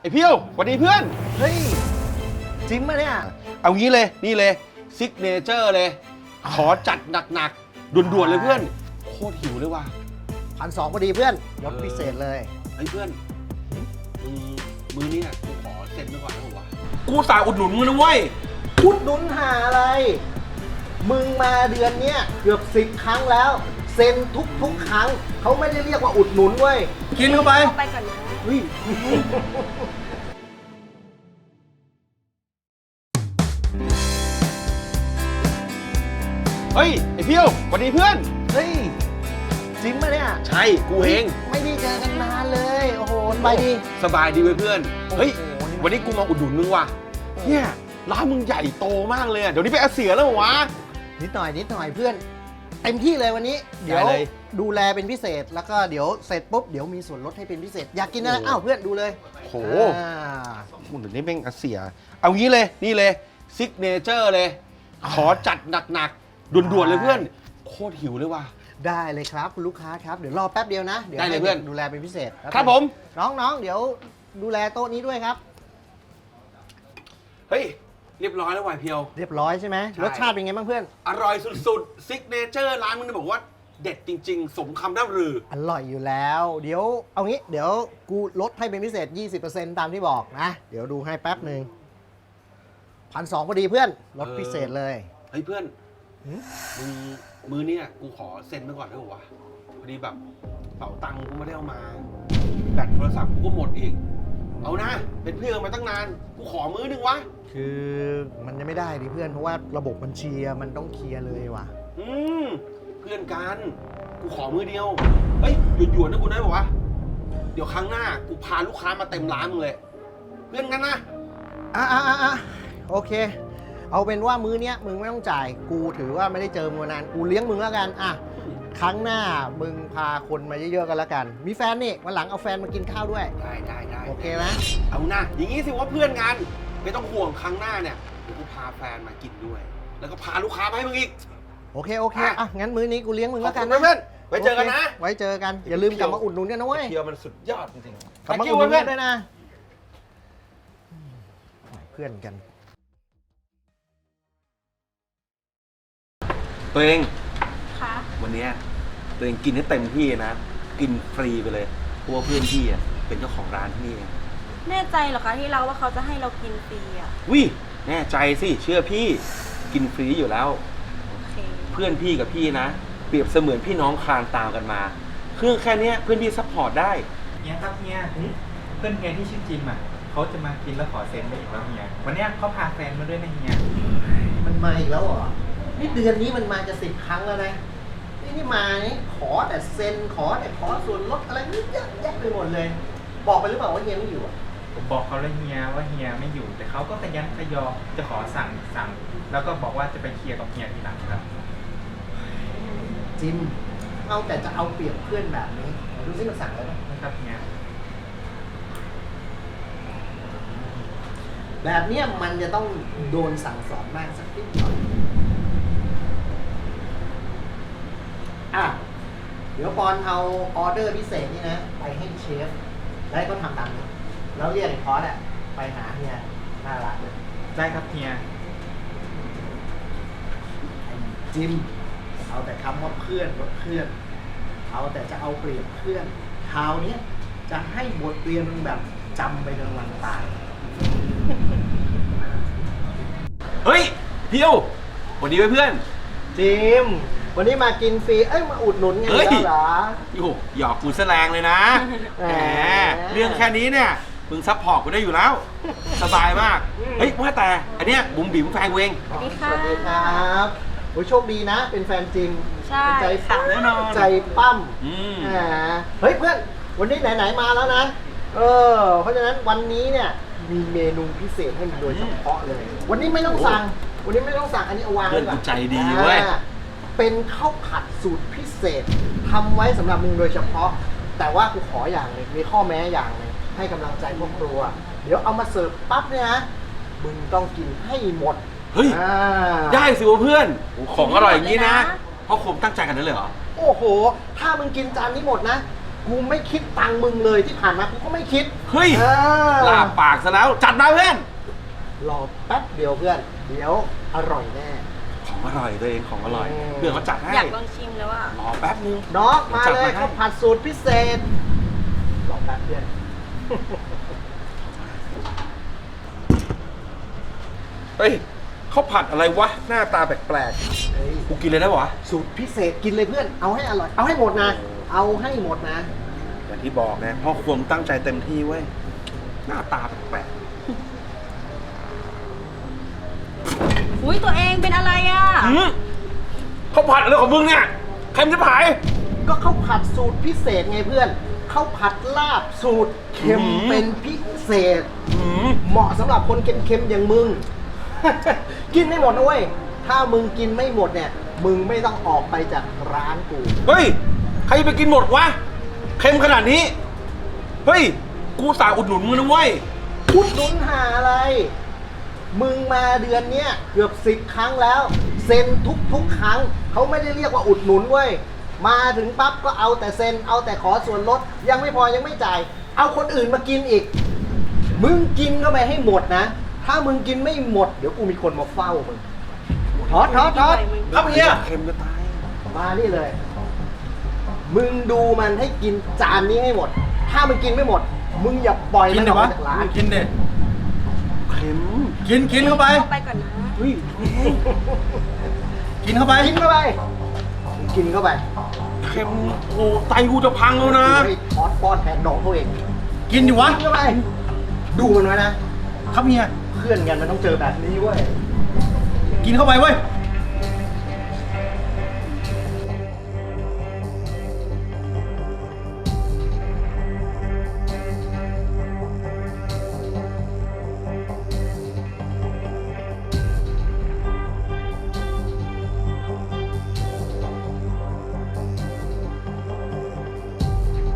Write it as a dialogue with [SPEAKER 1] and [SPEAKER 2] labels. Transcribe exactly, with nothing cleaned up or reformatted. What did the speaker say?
[SPEAKER 1] อ้เพียวสวัสดีเพื่อน
[SPEAKER 2] เฮ้ยจริงปะเนี่ย
[SPEAKER 1] เอางี้เลยนี่เลยซิกเนเจอร์เลยขอจัดหนักๆด่วนๆเลยเพื่อนโคตรหิวเลยว่ะ
[SPEAKER 2] พันสองพอดีเพื่อนลดพิเศษเลย
[SPEAKER 1] เฮ้ยเพื่อนมือมือเนี่ยกูขอเซ็นไปก่อนนะผมวะกูสายอุดหนุนมึงนะเว้ย
[SPEAKER 2] อุดหนุนหาอะไรมึงมาเดือนเนี้ยเกือบสิบครั้งแล้วเซ็นทุกทุกครั้งเขาไม่ได้เรียกว่าอุดหนุนเว้ยกินเข้าไป
[SPEAKER 3] ไปก่อนนะ
[SPEAKER 1] เฮ้ยเฮ้ยไอ้เพียวสวัสดีเพื่อน
[SPEAKER 2] เฮ้ยจริงปะเนี่ย
[SPEAKER 1] ใช่กูเอง
[SPEAKER 2] ไม่ได้เจอกันนานเลยโอ้โหสบายดี
[SPEAKER 1] สบายดีเว้ยเพื่อนเฮ้ยวันนี้กูมาอุดหนุนมึงว่ะเนี่ยร้านมึงใหญ่โตมากเลยเดี๋ยวนี้ไปอาเซียแล้วเหรอวะ
[SPEAKER 2] นิดหน่อยนิดหน่อยเพื่อนเต็มที่เลยวันนี้เดี๋ยวดูแลเป็นพิเศษแล้วก็เดี๋ยวเสร็จปุ๊บเดี๋ยวมีส่วนลดให้เป็นพิเศษอยากกินอะไรอ้าวเพื่อนดูเลย
[SPEAKER 1] โหคุณเดี๋ยวนี้แม่งอาเซียเอางี้เลยนี่เลยซิกเนเจอร์เลยขอจัดหนักๆด่วนๆเลยเพื่อนโคตรหิวเลยว่ะ
[SPEAKER 2] ได้เลยครับคุณลูกค้าครับเดี๋ยวรอแป๊บเดียวนะเดี๋ยว
[SPEAKER 1] ให้เพื่อน
[SPEAKER 2] ดูแลเป็นพิเศษ
[SPEAKER 1] ครับผม
[SPEAKER 2] น้องๆเดี๋ยวดูแลโต๊ะนี้ด้วยครับ
[SPEAKER 1] เฮ้ยเรียบร้อยแล้ววายเพียว
[SPEAKER 2] เรียบร้อยใช่ไหมรสชาติเป็นไงบ้างเพื่อน
[SPEAKER 1] อร่อยสุดๆซิกเนเจอร์ร้านมึงบอกว่าเด็ดจริงๆสมคำร่ำลือ
[SPEAKER 2] อร่อยอยู่แล้วเดี๋ยวเอางี้เดี๋ยวกูลดให้เป็นพิเศษ ยี่สิบเปอร์เซ็นต์ ตามที่บอกนะเดี๋ยวดูให้แป๊บหนึ่งพันสองพอดีเพื่อนลดพิเศษเลย
[SPEAKER 1] เฮ้ยเพื่อนมือมือเนี่ยกูขอเซ็นไปก่อนได้ป่าวะพอดีแบบเป๋าตังค์กูไม่ได้เอามาแบตโทรศัพท์กูก็หมดอีกเอานะเป็นเพื่อนมาตั้งนานกูขอมื้อนึงวะ
[SPEAKER 2] คือมันยังไม่ได้ดิเพื่อนเพราะว่าระบบบัญชีมันต้องเคลียร์เลยว่ะ
[SPEAKER 1] อืมเพื่อนกันกูขอมื้อเดียวเฮ้ยหยุดหยวนนะกูได้ป่าวะเดี๋ยวครั้งหน้ากูพาลูกค้ามาเต็มร้านมึงเลยเพื่อนกันนะ
[SPEAKER 2] อ่ะอ่ะอ่ะโอเคเอาเป็นว่ามื้อเนี้ยมึงไม่ต้องจ่ายกูถือว่าไม่ได้เจอมึงนานกูเลี้ยงมึงแล้วกันอ่ะครั้งหน้ามึงพาคนมาเยอะๆกันแล้วกันมีแฟนนี่วันหลังเอาแฟนมากินข้าวด้วย
[SPEAKER 1] ได้ได้ได้
[SPEAKER 2] โอเคไหม
[SPEAKER 1] เอาหน้าอย่างงี้สิว่าเพื่อนกันไม่ต้องห่วงครั้งหน้าเนี่ยเดี๋ยวกูพาแฟนมากินด้วยแล้วก็พาลูกค้ามาให้มึงอีก
[SPEAKER 2] โอเคโอเคอ่ะงั้นมื้อนี้กูเลี้ยงมึงแล้วกัน
[SPEAKER 1] นะเพื่อนไว้เจอกันนะ
[SPEAKER 2] ไว้เจอกันอย่าลืมกลับมาอุดหนุนกันนะเว้ย
[SPEAKER 1] เพียวมันสุดยอดจริงๆ
[SPEAKER 2] กลับมาอุดหนุนกันด้วยนะเพื่อนกัน
[SPEAKER 1] ตัวเอง
[SPEAKER 3] ค่ะ
[SPEAKER 1] วันนี้ตัวเองกินให้เต็มที่นะกินฟรีไปเลยเพราะว่าเพื่อนพี่อ่ะเป็นเจ้าของร้านที่นี่
[SPEAKER 3] แน่ใจเหรอคะที่เราว่าเขาจะให้เรากินฟรีอ่ะ
[SPEAKER 1] วิแน่ใจสิเชื่อพี่กินฟรีอยู่แล้ว
[SPEAKER 3] โอเค
[SPEAKER 1] เพื่อนพี่กับพี่นะเปรียบเสมือนพี่น้องคลานตามกันมาเครื่องแค่นี้เพื่อนพี่ซัพพอร์ตได้
[SPEAKER 4] เฮียครับเฮียเพื่อนเฮียที่ชื่อจิมอ่ะเขาจะมากินแล้วขอเซ็นได้อีกแล้วเฮียวันนี้เขาพาแฟนมาด้วยนะเฮีย
[SPEAKER 2] มันมาอีกแล้วเหรอนี่เดือนนี้มันมาจะสิบครั้งแล้วนะนี่นี่มานี่ขอแต่เซ็นขอแต่ขอส่วนลดอะไรนี่เยอะแยะไปหมดเลยบอกไปหรือเปล่าว่าเฮียไม่อยู่อ่ะ
[SPEAKER 4] ผมบอกเขาแล้วเฮียว่าเฮียไม่อยู่แต่เขาก็ขยันขยอจะขอสั่งสั่งแล้วก็บอกว่าจะไปเคลียร์กับเฮียทีหลังครับ
[SPEAKER 2] จิมเอาแต่จะเอาเปรียบเพื่อนแบบนี้ดูซิมันสั่งแล้ว
[SPEAKER 4] นะครับเฮีย
[SPEAKER 2] แบบนี้มันจะต้องโดนสั่งสอนมากสักนิดหน่อยอ่ะเดี๋ยวปอนเอาออเดอร์พิเศษนี่นะไปให้เชฟแล้วก็ทำตามนี้แล้วเรียกไอ้พอสอะไปหาเฮียหน้าร้านเลย
[SPEAKER 4] ได้ครับเฮีย
[SPEAKER 2] จิมเอาแต่คำว่าเพื่อนว่าเพื่อนเอาแต่จะเอาเปรียบเพื่อนคราวนี้จะให้บทเรียนมึงแบบจำไปจนวันตาย
[SPEAKER 1] เฮ้ยเพียววันนี้เพื่อน
[SPEAKER 2] จิมวันนี้มากินฟรีเอ้ยมาอุดหนุนไงแล้วเหรอ
[SPEAKER 1] โอ้หยอกกูแสลงเลยนะแหมเรื่องแค่นี้เนี่ยมึงซัพพอร์ตกูได้อยู่แล้วสบายมากเฮ้ยว่าแต่อันเนี้ยบุ๋มบิ๋มแฟนเวง
[SPEAKER 3] สวัสดีค่ะ
[SPEAKER 2] สวัสดีครับโอ้ยโชคดีนะเป็นแฟนจริง
[SPEAKER 3] ใช่
[SPEAKER 2] ใจปั้มแน่นอนใจปั้มเฮ้ยเพื่อนวันนี้ไหนๆมาแล้วนะเออเพราะฉะนั้นวันนี้เนี่ยมีเมนูพิเศษให้โดยเฉพาะเลยวันนี้ไม่ต้องสั่งวันนี้ไม่ต้องสั่งอันนี้เอาวางไว้ก่อน
[SPEAKER 1] เพื่อนกูใจดีเว้ย
[SPEAKER 2] เป็นข้าวผัดสูตรพิเศษทำไว้สำหรับมึงโดยเฉพาะแต่ว่ากูขออย่างนึงมีข้อแม้อย่างนึงให้กำลังใจพวกครัวเดี๋ยวเอามาเสิร์ฟปั๊บเนี่ยนะมึงต้องกินให้หมด
[SPEAKER 1] เฮ้ยได้สิวะเพื่อนของอร่อยอย่างนี้นะเพราะผมตั้งใจกันนั่นเลยเหรอ
[SPEAKER 2] โอ้โหถ้ามึงกินจานนี้หมดนะกูไม่คิดตังค์มึงเลยที่ผ่านมากูก็ไม่คิด
[SPEAKER 1] เฮ้ย
[SPEAKER 2] เออ
[SPEAKER 1] ลาบปากซะแล้วจัดมาเพื่อน
[SPEAKER 2] รอแป๊บเดียวเพื่อน เดี๋ยวอร่อยแน่
[SPEAKER 1] ของอร่อยตัวเองของอร่อย
[SPEAKER 2] อืม
[SPEAKER 1] เพื่อนเขาจัดให้
[SPEAKER 3] อยากลองชิมแล้วอ่ะ
[SPEAKER 1] รอแป๊บนึง
[SPEAKER 2] น้องมา
[SPEAKER 1] จัด
[SPEAKER 2] เลย
[SPEAKER 1] ให้
[SPEAKER 2] ข้าวผัดสูตรพิเศษรอแป๊บเดียว
[SPEAKER 1] เฮ้ยข้าวผัดอะไรวะหน้าตาแปลก
[SPEAKER 2] เฮ้ย
[SPEAKER 1] ๆกูกินเลยได้ปะวะ
[SPEAKER 2] สูตรพิเศษกินเลยเพื่อน เอาให้อร่อย เอาให้หมดนะ เอาให้หมดนะ
[SPEAKER 1] อย่างที่บอกไงพ่อครัวตั้งใจเต็มที่เว้ยหน้าตาแปลก
[SPEAKER 3] อุ้ยตัวเองเป็นอะไรอ่ะ
[SPEAKER 1] ๆหืมข้าวผัดอะไรของมึงเนี่ยใครมันจะผาย
[SPEAKER 2] ก็ข้าวผัดสูตรพิเศษไงเพื่อนข้าวผัดลาบสูตรเค็ม
[SPEAKER 1] อืม
[SPEAKER 2] เป็นพิเศษ
[SPEAKER 1] หืม
[SPEAKER 2] เหมาะสำหรับคนเค็มๆอย่างมึง กินไม่หมดนะเว้ย ถ้ามึงกินไม่หมดเนี่ย มึงไม่ต้องออกไปจากร้านกู
[SPEAKER 1] เฮ้ยใครจะไปกินหมดวะเค็มขนาดนี้เฮ้ยกูสาอุดหนุนมึงนะเว้ย
[SPEAKER 2] อุดหนุนหาอะไร มึงมาเดือนเนี้ยเกือบสิบครั้งแล้ว เซ็นทุกทุกๆครั้ง เขาไม่ได้เรียกว่าอุดหนุนเว้ย มาถึงปั๊บก็เอาแต่เซ็น เอาแต่ขอส่วนลด ยังไม่พอยังไม่จ่าย เอาคนอื่นมากินอีก มึงกินเข้าไปให้หมดนะ ถ้ามึงกินไม่หมด เดี๋ยวกูมีคนมาเฝ้ามึงทอดทอดทอดครับเฮีย
[SPEAKER 1] เค็มจะตาย
[SPEAKER 2] มานี่เลย มึงดูมันให้กินจานนี้ให้หมด ถ้ามันกินไม่หมด มึงอย่าปล่อยมันออกมาจากร้าน
[SPEAKER 4] กินเด็ด
[SPEAKER 1] เค็ม
[SPEAKER 4] กินกินเข้าไป
[SPEAKER 3] เข้าไปก่อนนะ
[SPEAKER 1] เฮ้ย
[SPEAKER 4] กินเข้าไป
[SPEAKER 2] กินเข้าไป กินเข้าไป
[SPEAKER 1] เค็มโอ้ไตกูจะพังแล้วนะ
[SPEAKER 2] ไอ้ทอดป้อนแทนน้องเขาเอง
[SPEAKER 4] กินอยู่วะ
[SPEAKER 2] กินเข้าไป ดูมันไว้นะ
[SPEAKER 4] ครับเฮีย
[SPEAKER 2] เพื่อนกันมันต้องเจอแบบนี้เว้ย
[SPEAKER 4] กินเข้าไปเว้ย
[SPEAKER 2] ก